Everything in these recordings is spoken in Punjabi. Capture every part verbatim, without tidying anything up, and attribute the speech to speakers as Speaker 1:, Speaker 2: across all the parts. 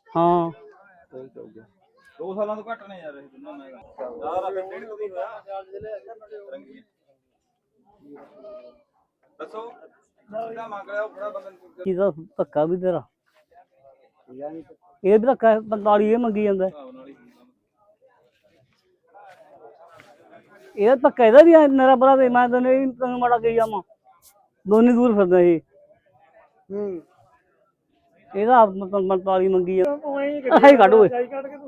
Speaker 1: ਹਾਂ
Speaker 2: ਦੋ ਸਾਲਾਂ ਤੋਂ ਘੱਟ ਨੇ ਯਾਰ ਇਹ ਦੋਨੋਂ ਮੈਂ ਯਾਰ ਡੇਢ ਕੋ ਵੀ ਹੋਇਆ ਰੰਗੀ ਦੱਸੋ ਕਿਹਦਾ ਮੰਗ ਰਿਹਾ ਉਹ ਬੜਾ ਬੰਦਾ
Speaker 1: ਇਹਦਾ ਧੱਕਾ ਵੀ ਤੇਰਾ ਇਹ ਵੀ ਧੱਕਾ ਪੰਤਾਲੀ ਇਹ ਮੰਗੀ ਜਾਂਦਾ ਇਹ ਧੱਕਾ ਇਹਦਾ ਵੀ ਮੇਰਾ ਭਰਾ ਤੇ ਮੈਂ ਤੈਨੂੰ ਇਹ ਤੈਨੂੰ ਮਾੜਾ ਕਹੀ ਜਾਵਾਂ ਦੋਨੇ ਦੂਰ ਫਿਰਦਾ ਇਹ
Speaker 3: ਹੂੰ
Speaker 1: ਇਹਦਾ ਪੰਤਾਲੀ ਮੰਗੀ ਆ ਆਹੀ ਕੱਢ ਓਏ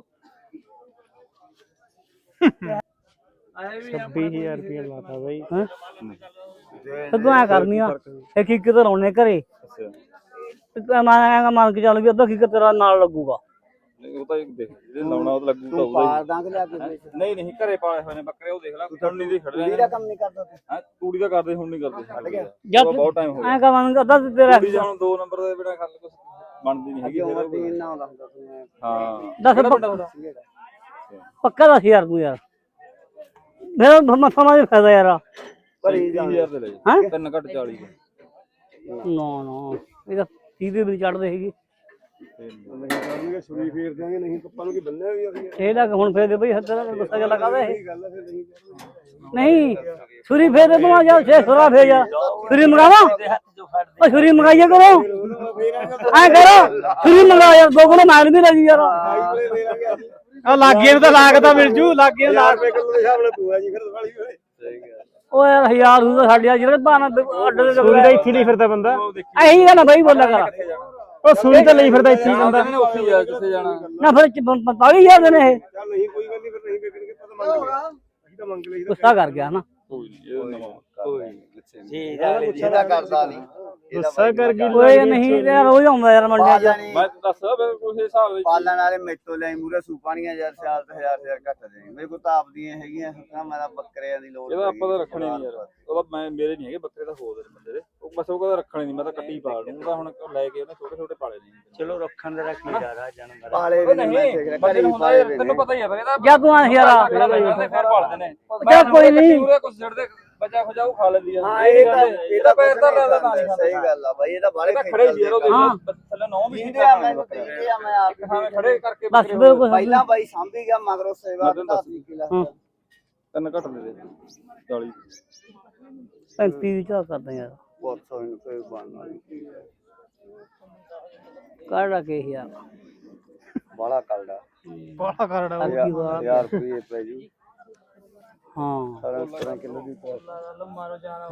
Speaker 3: ਛੱਬੀ ਹਜ਼ਾਰ ਰੁਪਇਆ ਲਾਤਾ ਬਾਈ
Speaker 1: ਹੈਂ ਤੂੰ ਐ ਕਰਨੀ ਆ ਇੱਕ ਇੱਕ ਤੇ ਲਾਉਣੇ ਘਰੇ ਮੈਂ ਮੰਨ ਕੇ ਚੱਲ ਵੀ ਅੱਧਾ ਕਿੱਕ ਤੇਰਾ ਨਾਲ ਲੱਗੂਗਾ
Speaker 2: ਉਹ ਤਾਂ ਦੇਖ ਜੇ ਲਾਉਣਾ ਉਹ ਲੱਗੂ ਤਾਂ
Speaker 3: ਪਾਲ ਦਾਂਗੇ ਲਿਆ ਕੇ
Speaker 2: ਨਹੀਂ ਨਹੀਂ ਘਰੇ ਪਾਲੇ ਹੋਏ ਨੇ ਬੱਕਰੇ ਉਹ ਦੇਖ ਲੈ ਹੁਣ ਨਹੀਂ ਦੇ ਖੜ ਰਹੇ
Speaker 3: ਇਹਦਾ ਕੰਮ ਨਹੀਂ ਕਰਦਾ ਤੂੰ
Speaker 2: ਹਾਂ ਤੂੜੀ ਦਾ ਕਰਦੇ ਹੁਣ ਨਹੀਂ ਕਰਦੇ
Speaker 1: ਜਦ
Speaker 2: ਬਹੁਤ ਟਾਈਮ ਹੋ ਗਿਆ
Speaker 1: ਐ ਕਵਾਂਗਾ ਅੱਧਾ ਤੇਰਾ
Speaker 2: ਤੂੜੀ ਹੁਣ ਦੋ ਨੰਬਰ ਦੇ ਬਿਨਾ ਗੱਲ ਕੁਝ ਬਣਦੀ ਨਹੀਂ ਹੈਗੀ
Speaker 3: ਉਮਰ ਦੀ ਇੰਨਾ ਹੁੰਦਾ ਹੁੰਦਾ ਤੂੰ
Speaker 2: ਹਾਂ
Speaker 1: ਦੱਸ ਪੱਕਾ ਦੱਸ ਯਾਰ ਤੂੰ ਯਾਰ ਮੇਰਾ ਮੱਥਾ ਮਾਰੇ ਫਾਇਦਾ ਯਾਰ
Speaker 2: ਭਰੀ ਹਜ਼ਾਰ ਦੇ ਲੈ
Speaker 1: ਹਾਂ
Speaker 2: ਤਿੰਨ ਘੱਟ ਚਾਲੀ
Speaker 1: ਨਾ ਨਾ ਇਹਦਾ ਤੀਹ ਵੀ ਚੜਦੇ ਹੈਗੇ
Speaker 3: ਨਹੀਂ ਕਰਾਂਗੇ ਛੁਰੀ ਫੇਰ ਦਿਆਂਗੇ ਨਹੀਂ ਪੱਪਾ ਨੂੰ ਕੀ ਬੰਨਿਆ ਵੀ ਅਸੀਂ
Speaker 1: ਇਹ ਲੱਗ ਹੁਣ ਫੇਰ ਦੇ ਬਈ ਹੱਥਾਂ ਨਾਲ ਗੁੱਸਾ ਜਿਹਾ ਲਗਾਦਾ ਇਹ
Speaker 3: ਗੱਲ ਹੈ ਫਿਰ ਨਹੀਂ
Speaker 1: ਨਹੀਂ ਛੁਰੀ ਫੇਰ ਦੇ ਤੂੰ ਜਾ ਛੇ ਸੁਰਾ ਫੇਰ ਜਾ ਛੁਰੀ ਮੰਗਾਵਾ ਉਹ ਛੁਰੀ ਮੰਗਾਈਏ ਕਰੋ ਐ ਕਰੋ ਛੁਰੀ ਮੰਗਾ ਯਾਰ ਦੋ ਕਿਲੋ ਮਾਰ ਵੀ ਲੱਗੀ ਯਾਰ
Speaker 3: ਆ ਲਾਗੇ ਨੂੰ ਤਾਂ ਲਾਗਦਾ ਮਿਲ ਜੂ ਲਾਗੇ ਲਾਗ ਰੁਪਏ ਕਿਲੋ ਦੇ ਹਿਸਾਬ ਨਾਲ ਤੂੰ ਆ ਜੀ ਫਿਰ ਵਾਲੀ ਹੋਏ ਸਹੀ ਗੱਲ
Speaker 1: ਉਹ ਯਾਰ ਹਜ਼ਾਰ ਨੂੰ ਤਾਂ ਸਾਡੇ ਜਿਹੜੇ ਬਾਣਾ ਅੱਡੇ ਦੇ
Speaker 3: ਸੂਰੀ ਦਾ ਇੱਥੇ ਨਹੀਂ ਫਿਰਦਾ ਬੰਦਾ
Speaker 1: ਇਹੀ ਗੱਲ ਬਈ ਬੋਲਿਆ ਕਰ
Speaker 3: ਉਹ ਸੂਰੀ ਤਾਂ ਲਈ ਫਿਰਦਾ ਇੱਥੇ ਹੀ ਬੰਦਾ
Speaker 2: ਉੱਥੇ ਜਾ ਕਿੱਥੇ ਜਾਣਾ
Speaker 1: ਨਾ ਫਿਰ ਪੰਤਾਲੀ ਹਜ਼ਾਰ ਦੇ ਨੇ ਇਹ
Speaker 3: ਚੱਲ ਨਹੀਂ ਕੋਈ ਗੱਲ ਨਹੀਂ ਫਿਰ ਨਹੀਂ ਵੇਚਣਗੇ ਪਤਾ ਮੰਗ ਲਿਆ ਅਸੀਂ ਤਾਂ ਮੰਗ ਲਈ
Speaker 1: ਗੁੱਸਾ ਕਰ ਗਿਆ ਨਾ
Speaker 2: ਕੋਈ ਨਹੀਂ ਇਹ ਨਵਾਂ ਕੋਈ ਗੁੱਸੇ ਨਹੀਂ
Speaker 3: ਇਹਦਾ ਕਰਦਾ ਨਹੀਂ ਗੁੱਸਾ ਕਰ ਗਈ
Speaker 1: ਕੋਈ ਨਹੀਂ ਯਾਰ ਰੋਜ਼ ਆਉਂਦਾ ਯਾਰ ਮੰਡੀਆਂ 'ਚ
Speaker 2: ਮੈਂ ਦੱਸ ਫਿਰ ਕੋਈ ਹਿਸਾਬ ਵਿੱਚ
Speaker 3: ਪਾਲਣ ਵਾਲੇ ਮੇਤੋਂ ਲੈ ਮੂਰੇ ਸੂਪਾਣੀਆਂ ਯਾਰ ਸਾਲ ਤੇ ਹਜ਼ਾਰ ਹਜ਼ਾਰ ਘੱਟ ਦੇ ਮੇਰੇ ਕੋਲ ਤਾਂ ਆਪਦੀਆਂ ਹੈਗੀਆਂ ਸੁੱਕਾ ਮੇਰਾ ਬੱਕਰਿਆਂ ਦੀ ਲੋੜ
Speaker 2: ਇਹਦਾ ਆਪਾਂ ਤਾਂ ਰੱਖਣੇ ਨਹੀਂ ਯਾਰ ਉਹਦਾ ਮੈਂ ਮੇਰੇ ਨਹੀਂ ਹੈਗੇ ਬੱਕਰੇ ਤਾਂ ਹੋਰ ਦੇ ਬੰਦੇ ਦੇ ਉਹ ਬਸ ਉਹ ਕਹਿੰਦਾ ਰੱਖਣੇ ਨਹੀਂ ਮੈਂ ਤਾਂ ਕੱਟੀ ਪਾਲ ਦੂੰ ਉਹਦਾ ਹੁਣ ਲੈ ਕੇ ਉਹਨੇ ਛੋਟੇ ਛੋਟੇ ਪਾਲੇ ਨਹੀਂ
Speaker 3: ਚਲੋ ਰੱਖਣ ਦੇ ਰੱਖੀ ਜਾ ਰਹਾ ਜਨਮ ਪਾਲੇ ਵੀ
Speaker 2: ਨਹੀਂ ਬੰਦੇ ਨੂੰ ਹੁੰਦਾ ਯਾਰ ਤੈਨੂੰ ਪਤਾ ਹੀ ਹੈ ਫਿਰ ਇਹਦਾ
Speaker 1: ਜਾਂ ਤੂੰ ਆ ਯਾਰ
Speaker 2: ਫਿਰ ਪਾਲਦੇ ਨੇ
Speaker 1: ਜਾਂ ਕੋਈ ਨਹੀਂ
Speaker 2: ਪੂਰੇ ਕੁਝ ਛੱਡਦੇ ਬੱਚਾ ਖੋਜਾ ਉਹ ਖਾ ਲੈਂਦੀ ਆ
Speaker 3: ਹਾਂ ਇਹ ਤਾਂ
Speaker 2: ਇਹਦਾ ਪੈਰ ਤਾਂ ਲੈਦਾ ਤਾਂ ਨਹੀਂ
Speaker 3: ਸਹੀ ਗੱਲ ਆ ਬਾਈ ਇਹਦਾ ਬਾਰੇ
Speaker 2: ਖੜੇ ਸੀ ਯਾਰ ਉਹ ਥੱਲੇ ਨੌ ਵੀ
Speaker 3: ਇਹਦੇ ਆ ਮੈਨੂੰ ਇਹਦੇ ਆ ਮੈਂ ਆਪ
Speaker 2: ਹਾਂ ਖੜੇ ਕਰਕੇ
Speaker 1: ਬਸ ਬਿਲਕੁਲ
Speaker 3: ਪਹਿਲਾਂ ਬਾਈ ਸਾਂਭੀ ਗਿਆ ਮਗਰੋਂ ਸੇਵਾ ਦਾ ਕਿਲਾ
Speaker 2: ਤਿੰਨ ਘੱਟ ਦੇ ਦੇ ਚਾਲੀ
Speaker 1: ਪੈਂਤੀ ਦੀ ਚਾਹ ਕਰਦੇ ਯਾਰ
Speaker 3: ਬਹੁਤ ਸੋਹਣੀ ਕੋਈ ਬਣ ਵਾਲੀ
Speaker 1: ਕਾੜਾ ਕੇ ਯਾਰ
Speaker 3: ਬਾਲਾ ਕਲੜਾ
Speaker 1: ਬੜਾ ਕਰੜਾ
Speaker 3: ਯਾਰ ਰੁਪਏ ਪੈ ਜੂ
Speaker 1: ਹਾਂ
Speaker 3: ਸਤਾਰਾਂ ਕਿਲੋ ਦੀ
Speaker 1: ਮਾਰੋ ਜਾਣਾ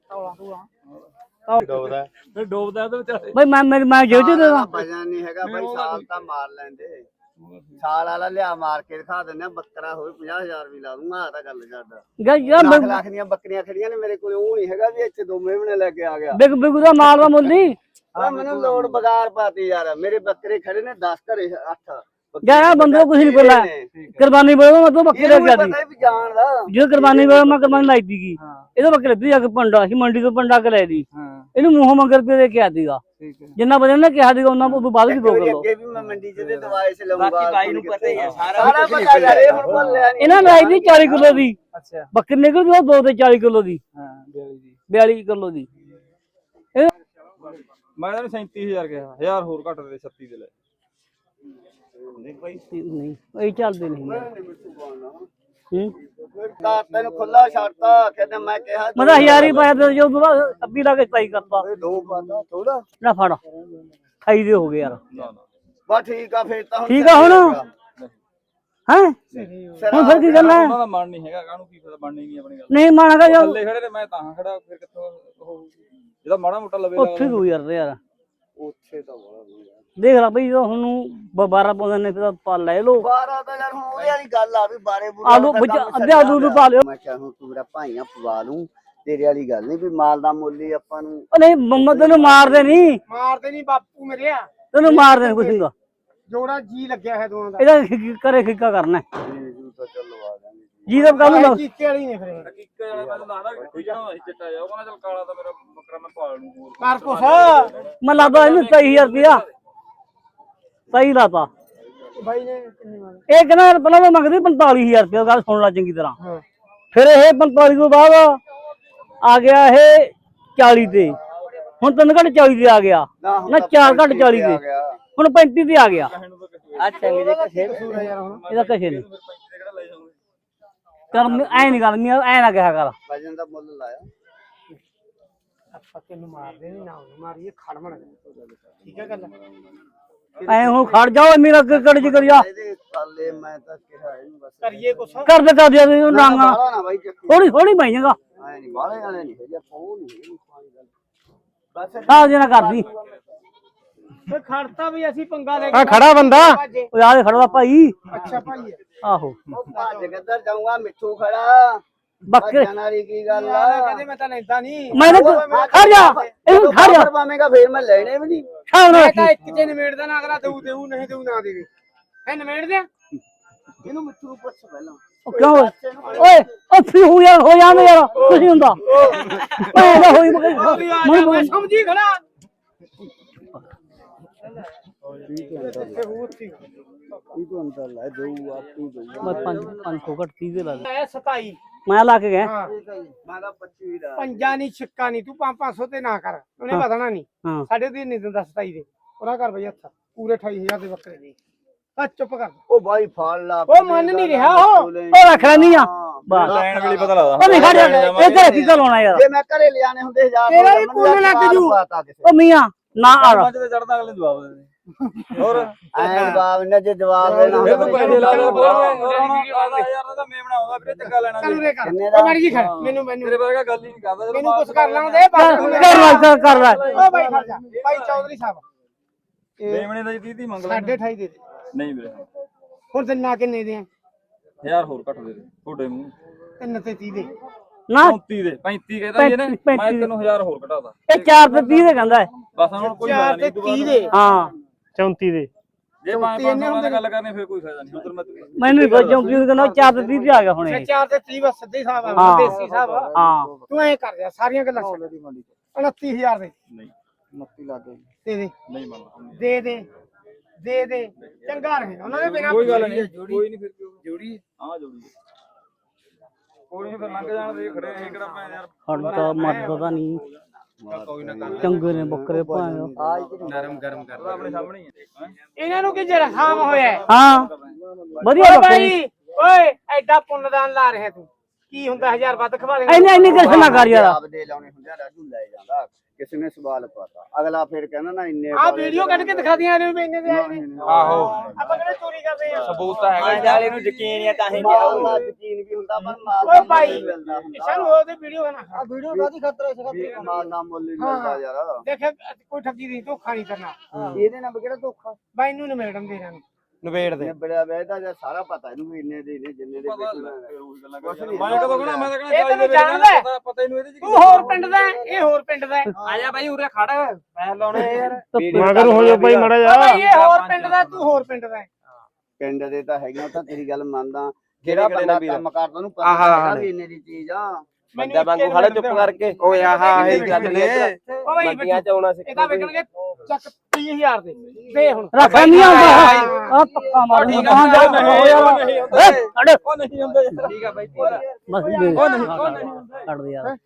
Speaker 3: ਡੋਬਦਾ
Speaker 2: ਫਿਰ ਡੋਬਦਾ ਉਹਦੇ ਵਿਚਾਰੇ
Speaker 1: ਬਈ ਮੈਂ ਮੈਂ ਮੈਂ ਜੇ ਦੇ ਦਾਂ
Speaker 3: ਵਜਨ ਨਹੀਂ ਹੈਗਾ ਬਾਈ ਸਾਲ ਤਾਂ ਮਾਰ ਲੈਂਦੇ ਸਾਲ ਵਾਲਾ ਲਿਆ ਮਾਰ ਕੇ ਦਿਖਾ ਦਿੰਦੇ ਆ ਬੱਕਰਾ ਹੋਵੇ ਪੰਜਾਹ ਹਜ਼ਾਰ ਵੀ ਲਾ ਦੂੰਗਾ ਆ ਤਾਂ ਗੱਲ ਕਰਦਾ
Speaker 1: ਯਾਰ
Speaker 3: ਲੱਖ ਲੱਖ ਦੀਆਂ ਬੱਕਰੀਆਂ ਖੜੀਆਂ ਨੇ ਮੇਰੇ ਕੋਲ ਉਹ ਨਹੀਂ ਹੈਗਾ ਵੀ ਇੱਥੇ ਦੋ ਮਹੀਨੇ ਲੈ ਕੇ ਆ ਗਿਆ
Speaker 1: ਬਿਗ ਬਿਗ ਦਾ ਮਾਲ ਦਾ ਮੁੱਲ ਨਹੀਂ
Speaker 3: ਆ ਮੈਨੂੰ ਲੋੜ ਬਗਾਰ ਪਾਤੀ ਯਾਰ ਮੇਰੇ ਬੱਕਰੇ ਖੜੇ ਨੇ ਦਸ ਘਰੇ ਅੱਠ
Speaker 1: ਯਾਰ ਬੰਦੇ ਕੁਝ ਨਹੀਂ ਬੋਲਾ ਕੁਰਬਾਨੀ ਬੋਲੋ ਮੈਂ ਤੂੰ ਬੱਕਰੇ ਲੈ ਕੇ ਆਦੀ
Speaker 3: ਪਤਾ ਵੀ ਜਾਣਦਾ
Speaker 1: ਜੇ ਕੁਰਬਾਨੀ ਬੋਲ ਮੈਂ ਕੁਰਬਾਨੀ ਲਾਈ ਦੀਗੀ ਇਹਦੇ ਬੱਕਰੇ ਦੀ ਜਾ ਕੇ ਪੰਡਾ ਸੀ ਮੰਡੀ ਤੋਂ ਪੰਡਾ ਕੇ ਲੈ ਦੀ ਇਹਨੂੰ ਮੂੰਹ ਮੰਗਰ ਰੁਪਏ ਦੇ ਕੇ ਆਦੀਗਾ ਜਿੰਨਾ ਵਜਨ ਨੇ ਕਿਹਾ ਦੀਗਾ ਉਹਨਾਂ ਤੋਂ ਬਾਅਦ ਵੀ ਦੋ ਕਿਲੋ
Speaker 3: ਅੱਗੇ ਵੀ ਮੈਂ ਮੰਡੀ ਚ ਦੇ ਦਵਾਈ ਸੇ ਲਊਂਗਾ
Speaker 4: ਬਾਕੀ ਬਾਈ ਨੂੰ ਪਤਾ ਹੀ ਹੈ ਸਾਰਾ
Speaker 3: ਸਾਰਾ ਪਤਾ ਯਾਰ ਇਹ ਹੁਣ ਭੁੱਲਿਆ ਨਹੀਂ
Speaker 1: ਇਹਨਾਂ ਲਾਈ ਦੀ ਚਾਲੀ ਕਿਲੋ ਦੀ
Speaker 4: ਅੱਛਾ
Speaker 1: ਬੱਕਰੀ ਨਿਕਲਦੀ ਉਹ ਦੋ ਤੇ ਚਾਲੀ ਕਿਲੋ ਦੀ
Speaker 4: ਹਾਂ ਬਿਆਲੀ ਦੀ
Speaker 1: ਬਿਆਲੀ ਕਿਲੋ ਦੀ
Speaker 2: ਮੈਂ ਇਹਨੂੰ ਸੈਂਤੀ ਹਜ਼ਾਰ ਕਿਹਾ ਹਜ਼ਾਰ ਹੋਰ ਘੱਟ ਦੇ ਛੱਤੀ ਦੇ ਲੈ
Speaker 1: ਨਹੀਂ ਇਹ ਚੱਲਦੇ ਨਹੀਂ ਹੂੰ
Speaker 3: ਤਾਂ ਤੈਨੂੰ ਖੁੱਲਾ ਛੱਡਤਾ ਕਹਿੰਦਾ ਮੈਂ ਕਿਹਾ
Speaker 1: ਮੈਂ ਤਾਂ ਹਜ਼ਾਰ ਹੀ ਪਾਇਆ ਤੇ ਜੋ ਦੁਬਾਰਾ ਅੱਬੀ ਲਾ ਕੇ ਸਤਾਈ ਕਰਤਾ
Speaker 3: ਦੋ ਪਾਦਾ ਥੋੜਾ
Speaker 1: ਨਾ ਫੜ ਅਠਾਈ ਦੇ ਹੋ ਗਏ ਯਾਰ
Speaker 2: ਨਾ ਨਾ
Speaker 3: ਬਸ ਠੀਕ ਆ ਫੇਰ ਤਾਂ
Speaker 1: ਠੀਕ ਆ ਹੁਣ ਹੈ ਹੁਣ ਫਿਰ ਕੀ ਕਰਨਾ
Speaker 2: ਉਹਨਾਂ ਦਾ ਮਨ ਨਹੀਂ ਹੈਗਾ ਕਾਹਨੂੰ ਕੀ ਪਤਾ ਬਣਨੀ ਨਹੀਂ ਆਪਣੀ ਗੱਲ
Speaker 1: ਨਹੀਂ ਮਾਣਾਗਾ ਜੋ
Speaker 2: ਥੱਲੇ ਖੜੇ ਨੇ ਮੈਂ ਤਾਂ ਖੜਾ ਫਿਰ ਕਿੱਥੋਂ ਉਹ ਜਿਹਦਾ ਮਾੜਾ ਮੋਟਾ ਲਵੇ
Speaker 1: ਉੱਥੇ ਤੂੰ ਯਾਰ ਯਾਰ
Speaker 3: ਉੱਥੇ ਤਾਂ ਬੜਾ
Speaker 1: ਦੇਖ ਲੈ ਬਈ ਹੁਣ ਬਾਰਾਂ ਪਾਉਂਦੇ ਨੇ ਫਿਰ ਪਾ ਲੈ ਲੋ
Speaker 3: ਬਾਰਾਂ ਤਾਂ ਯਾਰ ਹੁਣ ਉਹਦੇ ਵਾਲੀ ਗੱਲ ਆ ਵੀ ਬਾਰੇ
Speaker 1: ਆਲੂ ਅੱਧੇ ਆਲੂ ਨੂੰ ਪਾ ਲਿਓ
Speaker 3: ਮੈਂ ਕਿਹਾ ਹੁਣ ਤੂੰ ਮੇਰਾ ਭਾਈਆਂ ਪਵਾ ਲੂੰ ਤੇਰੇ ਵਾਲੀ ਗੱਲ ਨਹੀਂ ਵੀ ਮਾਲ ਦਾ ਮੁੱਲ ਹੀ ਆਪਾਂ ਨੂੰ
Speaker 1: ਉਹ ਨਹੀਂ ਮੰਮਾ ਤੈਨੂੰ ਮਾਰਦੇ ਨਹੀਂ
Speaker 4: ਮਾਰਦੇ ਨਹੀਂ ਬਾਪੂ ਮੇਰੇ ਆ
Speaker 1: ਤੈਨੂੰ ਮਾਰਦੇ ਨਹੀਂ ਕੁਛ ਨਹੀਂ
Speaker 4: ਜੋੜਾ ਜੀ ਲੱਗਿਆ ਹੈ ਦੋਨਾਂ ਦਾ
Speaker 1: ਇਹਦਾ ਖਿ- ਕਰੇ ਖਿੱਕਾ ਕਰਨਾ
Speaker 3: ਜੀ ਤਾਂ ਚੱਲ ਲਵਾ ਦਾਂਗੇ
Speaker 1: ਜੀ ਦਾ ਕੱਲ ਨੂੰ
Speaker 4: ਕੀਕੇ ਵਾਲੀ ਨੇ ਫਿਰ
Speaker 2: ਹਕੀਕਤ ਵਾਲਾ ਮੈਨੂੰ ਲੱਗਦਾ ਕਿ ਕੋਈ ਨਾ ਅਸੀਂ ਚਿੱਟਾ ਜਾ ਉਹ ਕਹਿੰਦਾ ਚੱਲ ਕਾਲਾ ਤਾਂ ਮੇਰਾ ਬੱਕਰਾ ਮੈਂ ਪਾਲ ਲੂੰ ਹੋਰ
Speaker 4: ਕਰ ਕੁਛ
Speaker 1: ਮੈਂ ਲਾਦਾ ਇਹਨੂੰ ਸਹੀ ਹਜ਼ਾਰ ਰੁਪਇਆ ਸਹੀ ਲਾਤਾ
Speaker 4: ਬਾਈ ਨੇ ਕਿੰਨੀ ਮਾਰ
Speaker 1: ਇਹ ਕਹਿੰਦਾ ਪਹਿਲਾਂ ਤਾਂ ਮੰਗਦੀ ਪੰਤਾਲੀ ਹਜ਼ਾਰ ਰੁਪਇਆ ਗੱਲ ਸੁਣ ਲੈ ਚੰਗੀ ਤਰ੍ਹਾਂ
Speaker 4: ਹਾਂ
Speaker 1: ਫਿਰ ਇਹ ਪੰਤਾਲੀ ਤੋਂ ਬਾਅਦ ਆ ਗਿਆ ਇਹ ਚਾਲੀ ਤੇ ਹੁਣ ਤਿੰਨ ਘੱਟ ਚਾਲੀ ਤੇ ਆ ਗਿਆ ਨਾ ਚਾਰ ਘੱਟ ਚਾਲੀ ਤੇ ਹੁਣ ਪੈਂਤੀ ਤੇ ਆ ਗਿਆ
Speaker 3: ਆ ਚੰਗੇ ਦੇ ਕਸੇ
Speaker 4: ਯਾਰ ਹੁਣ
Speaker 1: ਇਹਦਾ ਕਸ਼ੇ ਨਹੀਂ ਕਰ ਐ ਨਹੀਂ ਗੱਲ ਐ ਨਾ ਕਿਹਾ ਕਰ
Speaker 3: ਵਜਨ ਦਾ ਮੁੱਲ ਲਾਇਆ
Speaker 4: ਆਪਾਂ ਤੈਨੂੰ ਮਾਰਦੇ ਨਹੀਂ ਨਾ ਉਹਨੂੰ ਮਾਰੀਏ ਖੜਮਣ ਠੀਕ ਹੈ ਗੱਲ
Speaker 1: ਐ ਹੁਣ ਖੜ ਜਾਓ ਮੇਰਾ ਕਿਕੜ ਚ ਕਰਿਆ
Speaker 3: ਇਹਦੇ ਕਾਲੇ ਮੈਂ ਤਾਂ ਕਿਹਾ ਇਹਨੂੰ ਬਸ
Speaker 4: ਕਰੀਏ ਕੁਛ
Speaker 1: ਕਰ ਦੇ ਕਰ ਦੇ ਨਾਂਗਾ
Speaker 3: ਬਾਹਲਾ ਨਾ ਬਾਈ ਚੱਕੀ
Speaker 1: ਥੋੜੀ ਥੋੜੀ ਪਾਈ ਜਾਂਗਾ
Speaker 3: ਐ ਨਹੀਂ ਬਾਲੇ ਵਾਲੇ ਨਹੀਂ ਹੈਗੇ ਫੋਨ ਨਹੀਂ ਬਸ
Speaker 1: ਆ ਜੇ ਨਾ ਕਰਦੀ
Speaker 4: ਫੇ ਖੜਤਾ ਵੀ ਅਸੀਂ ਪੰਗਾ ਲੈ
Speaker 5: ਆ ਖੜਾ ਬੰਦਾ
Speaker 1: ਓ ਯਾਰ ਖੜਵਾ ਭਾਈ
Speaker 4: ਅੱਛਾ ਭਾਈ
Speaker 1: ਆਹੋ
Speaker 3: ਉਹ ਭੱਜ ਕਿੱਧਰ ਜਾਊਂਗਾ ਮਿੱਠੂ ਖੜਾ
Speaker 1: ਬੱਕਰੇ
Speaker 3: ਭੱਜਣ ਵਾਲੀ ਕੀ ਗੱਲ ਆ
Speaker 4: ਯਾਰ ਕਹਿੰਦੇ ਮੈਂ ਤਾਂ ਲੈਂਦਾ ਨਹੀਂ
Speaker 1: ਮੈਨੇ ਖੜ ਜਾ ਇਹਨੂੰ ਖੜ ਜਾ
Speaker 3: ਪਾਵੇਂਗਾ ਫੇਰ ਮੈਂ ਲੈਣੇ ਵੀ ਨਹੀਂ
Speaker 1: ਸ਼ਾਮ ਨੂੰ
Speaker 4: ਮੈਂ ਤਾਂ ਇੱਕ ਚ ਨਿਮੇੜਦਾ ਨਾ ਅਗਲਾ ਦੇਊ ਦੇਊ ਨਹੀਂ ਦੇਊ ਨਾ ਦੇਵੇ ਹੈ ਨਿਮੇੜ ਦੇ
Speaker 3: ਇਹਨੂੰ ਮਿੱਠੂ ਨੂੰ ਪੁੱਛ ਪਹਿਲਾਂ
Speaker 1: ਉਹ ਕਿਉਂ ਓਏ ਓ ਫੀ ਹੋ ਯਾਰ ਹੋ ਜਾਂਦੇ ਯਾਰ ਕੁਝ ਨਹੀਂ ਹੁੰਦਾ ਓਏ ਇਹਦਾ ਹੋਈ ਮਗਰ
Speaker 4: ਮੈਂ ਸਮਝੀ ਖੜਾ
Speaker 3: ਇੱਥੇ ਹੋਰ ਸੀ ਇਹ ਤੋਂ ਅੰਦਰ ਲੈ ਦੇਊ ਆਪੀ ਦੇਊ
Speaker 1: ਮੈਂ ਪੰਜ ਪੰਜ ਸੌ ਘੱਟ ਤੀਹ ਦੇ ਲਾ ਦੇ
Speaker 4: ਇਹ ਸਤਾਈ
Speaker 1: ਮੈਂ ਲਾ ਕੇ ਗਿਆ
Speaker 4: ਹਾਂ
Speaker 3: ਮੈਂ ਤਾਂ ਪੱਚੀ ਦਾ
Speaker 4: ਪੰਜਾ ਨਹੀਂ ਛਿੱਕਾ ਨਹੀਂ ਤੂੰ ਪੰਜ ਪੰਜ ਸੌ ਤੇ ਨਾ ਕਰ ਉਹਨੇ ਵਧਣਾ ਨਹੀਂ
Speaker 1: ਹਾਂ
Speaker 4: ਸਾਡੇ ਦੀ ਨਹੀਂ ਦਿੰਦਾ ਸਤਾਈ ਦੇ ਉਹਦਾ ਕਰ ਬਈ ਹੱਥ ਪੂਰੇ ਅਠਾਈ ਹਜ਼ਾਰ ਦੇ ਬੱਕਰੇ ਦੇ ਆ ਚੁੱਪ ਕਰ
Speaker 3: ਉਹ ਬਾਈ ਫੜ ਲਾ
Speaker 4: ਉਹ ਮੰਨ ਨਹੀਂ ਰਿਹਾ ਉਹ
Speaker 1: ਉਹ ਰੱਖ ਲੈਣੀ ਆ ਬਸ
Speaker 2: ਲੈਣ ਵੇਲੇ ਪਤਾ ਲੱਗਦਾ
Speaker 1: ਉਹ ਨਹੀਂ ਖੜ ਜਾ ਇਹ ਤੇ ਕੀ ਲਾਉਣਾ ਯਾਰ
Speaker 3: ਜੇ ਮੈਂ ਘਰੇ ਲਿਆਣੇ ਹੁੰਦੇ ਹਜ਼ਾਰ
Speaker 4: ਤੇਰਾ ਵੀ ਪੁੰਨ ਲੱਗ ਜੂ।
Speaker 1: ਉਹ ਮੀਆਂ ਨਾ ਆ
Speaker 2: ਪੰਜ ਤੇ ਚੜਦਾ ਅਗਲੇ ਜਵਾਬ ਦੇ ਹੋਰ
Speaker 3: ਐ ਜਵਾਬ ਨੇ ਜੇ ਜਵਾਬ ਦੇਣਾ
Speaker 2: ਫਿਰ ਤੂੰ
Speaker 3: ਹੁੰਦਾ
Speaker 2: ਪੈਸੇ ਲਾ ਦੇ ਪਰ ਆਦਾ ਯਾਰ ਦਾ ਮੈਂ ਬਣਾਉਂਦਾ ਵੀਰੇ ਚੰਗਾ ਲੈਣਾ
Speaker 4: ਚੱਲ ਰੇ ਕਰ
Speaker 3: ਕਿੰਨੇ ਦਾ?
Speaker 4: ਉਹ ਮੜ ਜੀ ਖੜ ਮੈਨੂੰ ਮੈਨੂੰ
Speaker 2: ਤੇਰੇ ਵਰਗਾ ਗੱਲ ਹੀ ਨਹੀਂ ਕਰਦਾ ਜਦੋਂ
Speaker 4: ਮੈਨੂੰ ਕੁਛ
Speaker 2: ਮਾਲ
Speaker 4: ਕਰ ਲਾਉਂਦੇ ਬਾਕੀ ਨੂੰ
Speaker 1: ਕਰ ਲੈ ਕਰ- ਕਰ ਲੈ
Speaker 4: ਓ ਬਾਈ ਖੜ ਜਾ ਬਾਈ ਚੌਧਰੀ ਸਾਹਿਬ
Speaker 2: ਮੇਮਣੇ ਦਾ ਜੀ ਤੀਹ ਤੀਹ ਮੰਗ ਲੈ
Speaker 4: ਸਾਢੇ ਅਠਾਈ ਦੇ ਦੇ
Speaker 2: ਨਹੀਂ ਵੀਰੇ
Speaker 4: ਹੁਣ ਦਿਨਾ ਕਿੰਨੇ ਦੇ ਆ
Speaker 2: ਹਜ਼ਾਰ ਹੋਰ ਘੱਟ ਦੇ ਦੇ ਤੁਹਾਡੇ ਮੂੰਹ
Speaker 4: ਤਿੰਨ ਤੇ ਤੀਹ ਦੇ
Speaker 1: ਨਾ
Speaker 2: ਚੌਂਤੀ ਦੇ ਪੈਂਤੀ ਕਹਿੰਦਾ ਜੀ ਇਹਨੇ ਮੈਂ ਤੈਨੂੰ ਹਜ਼ਾਰ ਹੋਰ ਘਟਾਦਾ
Speaker 1: ਇਹ ਚਾਰ ਤੇ ਤੀਹ ਦੇ ਕਹਿੰਦਾ ਹੈ।
Speaker 2: ਬਸ ਹੁਣ ਕੋਈ
Speaker 4: ਚਾਰ
Speaker 2: ਫਾਇਦਾ
Speaker 4: ਤੇ
Speaker 2: ਨਹੀਂ
Speaker 4: ਤੀਹ ਦੇ
Speaker 1: ਹਾਂ
Speaker 5: ਚੌਂਤੀ ਦੇ
Speaker 2: ਜੇ ਪੰਜ ਪੰਜ ਸੌ ਨਾਲ ਗੱਲ ਕਰਨੀ ਫਿਰ ਕੋਈ ਫਾਇਦਾ ਨਹੀਂ ਉਧਰ ਮੈਂ
Speaker 1: ਮੈਨੂੰ ਨਹੀਂ ਪਤਾ ਕਿਉਂ ਕਹਿੰਦਾ ਚਾਰ ਤੇ ਤੀਹ ਤੇ ਆ ਗਿਆ ਹੁਣ
Speaker 4: ਮੈਂ
Speaker 1: ਇਹ
Speaker 4: ਚਾਰ ਤੇ ਤੀਹ ਬਸ ਸਿੱਧੇ ਹਿਸਾਬ ਆ
Speaker 1: ਹਾਂ।
Speaker 4: ਦੇਸੀ ਹਿਸਾਬ ਆ।
Speaker 1: ਹਾਂ
Speaker 4: ਤੂੰ ਐ ਕਰ ਜਾ ਸਾਰੀਆਂ ਗੱਲਾਂ ਛੱਡ ਉਨੱਤੀ ਹਜ਼ਾਰ ਦੇ
Speaker 2: ਨਹੀਂ
Speaker 3: ਮੱਤੀ ਲੱਗ ਗਈ
Speaker 4: ਦੇ ਦੇ
Speaker 2: ਨਹੀਂ ਮੰਨਦਾ
Speaker 4: ਦੇ ਦੇ ਦੇ ਦੇ ਚੰਗਾ ਰਹੇ ਉਹਨਾਂ ਦੇ ਬਿਨਾਂ
Speaker 2: ਕੋਈ ਗੱਲ ਨਹੀਂ ਕੋਈ ਨਹੀਂ ਫਿਰ ਜੋੜੀ ਹਾਂ ਜੋੜੀ ਕੋਈ ਨਹੀਂ ਫਿਰ ਲੰਘ ਜਾਣ ਦੇ ਖੜੇ ਇਹ ਕਿਹੜਾ ਪੈ ਯਾਰ
Speaker 1: ਹੜਦਾ ਮਰਦਾ ਨਹੀਂ ਚੰਗੇ ਨੇ ਬੱਕਰੇ ਭਾਵੇਂ
Speaker 2: ਨਰਮ ਗਰਮ ਕਰਦਾ ਆਪਣੇ ਸਾਹਮਣੇ ਹੀ ਹੈ
Speaker 4: ਇਹਨਾਂ ਨੂੰ ਕੀ ਜਰਖਾਮ ਹੋਇਆ ਹੈ?
Speaker 1: ਹਾਂ ਵਧੀਆ
Speaker 4: ਓ
Speaker 1: ਬੱਕਰੇ
Speaker 4: ਬਾਈ ਓਏ ਐਡਾ ਪੁੰਨਦਾਨ ਲਾ ਰਿਹਾ ਤੂੰ ਕੀ ਹੁੰਦਾ ਹਜ਼ਾਰ ਵੱਧ ਖਵਾ ਦੇ
Speaker 1: ਐਨੇ ਐਨੇ ਕਿਸ ਨਾ ਕਰ ਯਾਰ
Speaker 3: ਜਵਾਬ ਦੇ ਲਾਉਣੇ ਹੁੰਦੇ ਆ ਰਾਜੂ ਲੈ ਜਾਂਦਾ ਕਿਸੇ ਨੇ ਸਵਾਲ ਪਾਤਾ ਅਗਲਾ ਫਿਰ ਕਹਿੰਦਾ ਨਾ ਇੰਨੇ
Speaker 4: ਆ ਵੀਡੀਓ ਕੱਢ ਕੇ ਦਿਖਾ ਦਿਆਂ ਇਹਨੂੰ ਵੀ ਇੰਨੇ ਦੇ ਆਏ ਨੇ
Speaker 2: ਆਹੋ
Speaker 4: ਆਪਾਂ ਕਿਹੜੇ ਚੋਰੀ ਕਰਦੇ ਆ
Speaker 2: ਸਬੂਤ ਤਾਂ ਹੈਗਾ
Speaker 3: ਵਾਲੇ ਨੂੰ ਯਕੀਨ ਹੈ ਤਾਂ ਹੀ ਮਾਲ ਦਾ ਯਕੀਨ ਵੀ ਹੁੰਦਾ ਪਰ ਮਾਲ
Speaker 4: ਓਏ ਬਾਈ ਸਾਨੂੰ ਉਹਦੇ ਵੀਡੀਓ ਨਾ
Speaker 3: ਆ ਵੀਡੀਓ ਕਾਦੀ ਖਤਰਾ ਇਸ ਮਾਲ ਦਾ ਮੁੱਲ ਹੀ ਮਿਲਦਾ ਯਾਰ
Speaker 4: ਦੇਖ ਕੋਈ ਠੱਗੀ ਨਹੀਂ ਧੋਖਾ ਨਹੀਂ ਕਰਨਾ
Speaker 3: ਇਹਦੇ ਨਾਲ ਕਿਹੜਾ ਧੋਖਾ
Speaker 4: ਬਾਈ ਨੂੰ ਨਿਮੇੜਨ ਦੇ ਇਹਨਾਂ ਨੂੰ
Speaker 5: ਨਵੇੜ ਦੇ
Speaker 3: ਬੜਿਆ ਵੇਦਾ ਜਾਂ ਸਾਰਾ ਪਤਾ ਇਹਨੂੰ ਵੀ ਇੰਨੇ ਦੇ ਨੇ ਜਿੰਨੇ ਦੇ ਵੇਚਣਾ
Speaker 2: ਮੈਂ ਕਦੋਂ ਕਹਣਾ ਮੈਂ ਤਾਂ
Speaker 4: ਇਹ
Speaker 2: ਕਹਣਾ
Speaker 4: ਤੈਨੂੰ ਜਾਣਦਾ ਹੈ?
Speaker 2: ਪਤਾ ਇਹਨੂੰ ਇਹਦੇ ਚ
Speaker 4: ਤੂੰ ਹੋਰ ਪਿੰਡ ਦਾ ਹੈ, ਇਹ ਹੋਰ ਪਿੰਡ ਦਾ ਹੈ।
Speaker 2: ਆ ਜਾ ਬਾਈ ਉਰੇ ਖੜ ਮੈਂ ਲਾਉਣੇ ਯਾਰ
Speaker 5: ਮਗਰ ਹੋ ਜਾ ਭਾਈ ਮੜਾ
Speaker 4: ਓ
Speaker 5: ਜਾ
Speaker 4: ਬਾਈ ਇਹ ਹੋਰ ਪਿੰਡ ਦਾ ਤੂੰ ਹੋਰ ਪਿੰਡ ਦਾ ਹੈ।
Speaker 3: ਪਿੰਡ ਦੇ ਤਾਂ ਹੈਗਾ ਉਹ ਤਾਂ ਤੇਰੀ ਗੱਲ ਮੰਨਦਾ ਜਿਹੜਾ ਬੰਦਾ ਕੰਮ ਕਰਦਾ ਉਹਨੂੰ ਪਤਾ ਹੈਗਾ ਵੀ ਇੰਨੇ ਦੀ ਚੀਜ਼ ਆ
Speaker 4: ਬੰਦਾ ਵਾਂਗੂ ਖੜਾ ਚੁੱਪ ਕਰਕੇ
Speaker 5: ਓਏ ਆਹ ਇਹ ਗੱਲ ਨੇ
Speaker 4: ਓ ਬਾਈ ਬੱਚਿਆਂ ਚ ਆਉਣਾ ਸੀ ਇਹਦਾ ਵਿਕਣਗੇ ਚੱਕ ਤੀਹ ਹਜ਼ਾਰ ਦੇ ਦੇ ਹੁਣ
Speaker 1: ਰੱਖ ਨਹੀਂ ਆਉਂਦਾ ਆ ਪੱਕਾ ਮਾਰ
Speaker 2: ਠੀਕ
Speaker 1: ਕਹਾਂ ਜਾ
Speaker 2: ਆ ਨਹੀਂ ਹੁੰਦੇ
Speaker 1: ਛੱਡ
Speaker 2: ਉਹ ਨਹੀਂ ਹੁੰਦੇ ਠੀਕ ਆ ਬਾਈ
Speaker 1: ਬਸ ਦੇ
Speaker 2: ਉਹ ਨਹੀਂ ਉਹ ਨਹੀਂ
Speaker 1: ਛੱਡ ਦੇ ਯਾਰ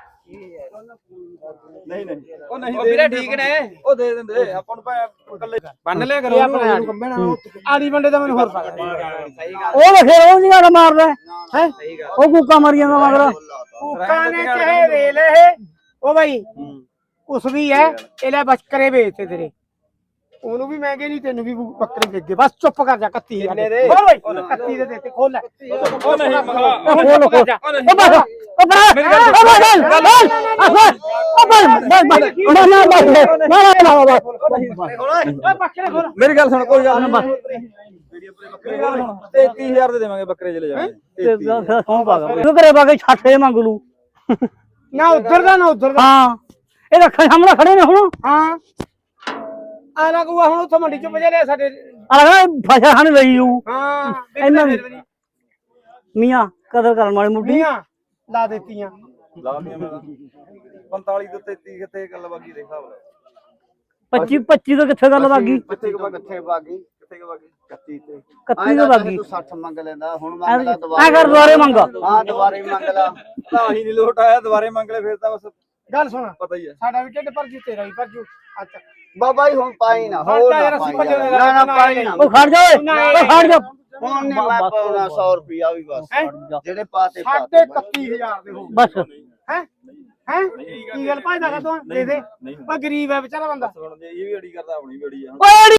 Speaker 2: ਨਹੀਂ ਨਹੀਂ ਉਹ ਨਹੀਂ ਉਹ ਵੀਰੇ ਠੀਕ ਨੇ ਉਹ ਦੇ ਦਿੰਦੇ ਆਪਾਂ ਨੂੰ ਭਾਵੇਂ ਇਕੱਲੇ ਬੰਨ ਲਿਆ ਕਰੋ ਉਹਨੂੰ
Speaker 4: ਆੜੀ ਬੰਦੇ ਦਾ ਮੈਨੂੰ ਹੋਰ ਪਤਾ
Speaker 1: ਉਹ ਵੇਖੇ ਉਹ ਜਿਹੜਾ ਮਾਰਦਾ ਹੈ ਉਹ ਕੁੱਕਾ ਮਾਰੀ ਜਾਂਦਾ ਮਗਰ
Speaker 4: ਕੁੱਕਾਂ ਨੇ ਚਾਹੇ ਰੇਲ ਇਹ ਉਹ ਬਾਈ ਉਸ ਵੀ ਹੈ ਇਹ ਲੈ ਬੱਕਰੇ ਵੇਚਤੇ ਤੇਰੇ ਉਹਨੂੰ ਵੀ ਮਹਿੰਗੇ ਨਹੀਂ ਤੈਨੂੰ ਵੀ ਬੱਕਰੇ ਵੇਚ ਗਏ ਬਸ ਚੁੱਪ ਕਰ ਜਾ ਇਕੱਤੀ ਹਜ਼ਾਰ ਦੇ ਬੋਲ ਬਾਈ ਇਕੱਤੀ ਦੇ ਦੇ ਤੇ ਖੋਲ ਲੈ
Speaker 2: ਉਹ ਨਹੀਂ ਮੰਗਾ
Speaker 1: ਖੋਲ ਖੋਲ ਉਹ ਬਸ ਉਹ ਬਸ
Speaker 2: ਮੇਰੀ ਗੱਲ
Speaker 1: ਉਹ ਬਸ ਉਹ ਬਸ ਉਹ ਬਸ ਬਸ ਨਾ ਨਾ ਬਸ ਨਾ ਨਾ ਨਾ ਬਸ
Speaker 4: ਓਏ ਬੱਕਰੇ ਖੋਲ
Speaker 2: ਮੇਰੀ ਗੱਲ ਸੁਣ ਕੋਈ ਗੱਲ ਨਹੀਂ ਮੇਰੀ ਗੱਲ ਸੁਣ ਤੇਤੀ ਹਜ਼ਾਰ ਦੇ ਦੇਵਾਂਗੇ ਬੱਕਰੇ ਚਲੇ ਜਾਣਗੇ
Speaker 1: ਤੇ ਸੌਂ ਪਾਗਾ ਤੂੰ ਕਰੇ ਬਾਗੇ ਛੱਠੇ ਮੰਗ ਲੂ
Speaker 4: ਨਾ ਉਧਰ ਦਾ ਨਾ ਉਧਰ ਦਾ
Speaker 1: ਹਾਂ ਇਹ ਰੱਖਾਂ ਸਾਹਮਣੇ ਖੜੇ ਨੇ ਹੁਣ
Speaker 4: ਹਾਂ ਆ ਨਾ ਕੋ ਹੁਣ ਉੱਥੋਂ ਮੰਡੀ ਚੋਂ ਵਜੇ ਲਿਆ ਸਾਡੇ
Speaker 1: ਅਲਗਾ ਫਸਾ ਖਾਣ ਲਈ ਹੂੰ
Speaker 4: ਹਾਂ
Speaker 1: ਇਹਨਾਂ ਦੀ ਮੀਆਂ ਕਦਰ ਕਰਨ ਵਾਲੀ ਮੁੱਢੀ
Speaker 4: ਮੀਆਂ ਲਾ ਦਿੱਤੀਆਂ
Speaker 2: ਲਾ ਦੀਆਂ ਮੈਂ ਪੰਤਾਲੀ ਤੋਂ ਤੇਤੀ ਕਿੱਥੇ ਗੱਲ ਬਾਕੀ ਦੇ ਹਿਸਾਬ ਨਾਲ
Speaker 1: ਪੱਚੀ ਪੱਚੀ ਤੋਂ ਕਿੱਥੇ ਗੱਲ ਵਾਗੀ
Speaker 3: ਕਿੱਥੇ ਕੁ ਕਿੱਥੇ ਬਾਗੀ
Speaker 2: ਕਿੱਥੇ ਬਾਕੀ
Speaker 3: ਇਕੱਤੀ ਤੇ
Speaker 1: ਇਕੱਤੀ ਤੋਂ ਵਾਗੀ
Speaker 3: ਤੂੰ ਸੱਠ ਮੰਗ ਲੈਂਦਾ ਹੁਣ ਮੰਗ ਲੈ ਦੁਬਾਰਾ
Speaker 1: ਐ ਕਰ ਦੁਆਰੇ ਮੰਗ
Speaker 3: ਹਾਂ ਦੁਬਾਰੇ ਮੰਗ ਲਾ
Speaker 2: ਤਾਂ ਹੀ ਨਹੀਂ ਲੋਟ ਆਇਆ ਦੁਬਾਰੇ ਮੰਗ ਲੈ ਫਿਰ ਤਾਂ ਬਸ
Speaker 4: ਗੱਲ ਸੁਣ
Speaker 2: ਪਤਾ ਹੀ ਹੈ
Speaker 4: ਸਾਡਾ ਵੀ ਢਿੱਡ ਭਰ ਜੂ ਤੇਰਾ ਵੀ ਭਰ ਜੂ ਅੱਛਾ
Speaker 3: ਬਾਬਾ ਜੀ ਹੁਣ ਪਾਈ ਨਾ
Speaker 4: ਹੁਣ
Speaker 3: ਹੋਰ
Speaker 4: ਤਾਂ ਯਾਰ
Speaker 3: ਨਾ
Speaker 4: ਅਸੀਂ
Speaker 3: ਪਾਈ
Speaker 4: ਭੱਜੇ
Speaker 3: ਯਾਰ। ਨਾ ਨਾ ਪਾਈ ਨਾ
Speaker 1: ਉਹ ਖੜ ਜਾ ਓਏ ਉਹ ਖੜ ਜਾ
Speaker 3: ਹੁਣ ਨਹੀਂ ਮੈਂ ਪਾਉਣਾ ਸੌ ਰੁਪਿਆ ਵੀ ਬਸ
Speaker 4: ਹੈਂ?
Speaker 3: ਜਿਹੜੇ ਪਾਤੇ
Speaker 4: ਸਾਢੇ ਇਕੱਤੀ ਹਜ਼ਾਰ ਦੇ ਹੋ
Speaker 1: ਬਸ
Speaker 4: ਹੈ ਹੈ ਕੀ ਗੱਲ ਭਾਈ ਦਾ ਤੂੰ ਦੇ ਦੇ
Speaker 2: ਨਹੀਂ
Speaker 4: ਉਹ ਗਰੀਬ ਹੈ ਵਿਚਾਰਾ ਬੰਦਾ
Speaker 2: ਹੁਣ ਜੇ ਇਹ ਵੀ ਅੜੀ ਕਰਦਾ ਆਪਣੀ ਵੀ ਅੜੀ ਆ
Speaker 1: ਓਏ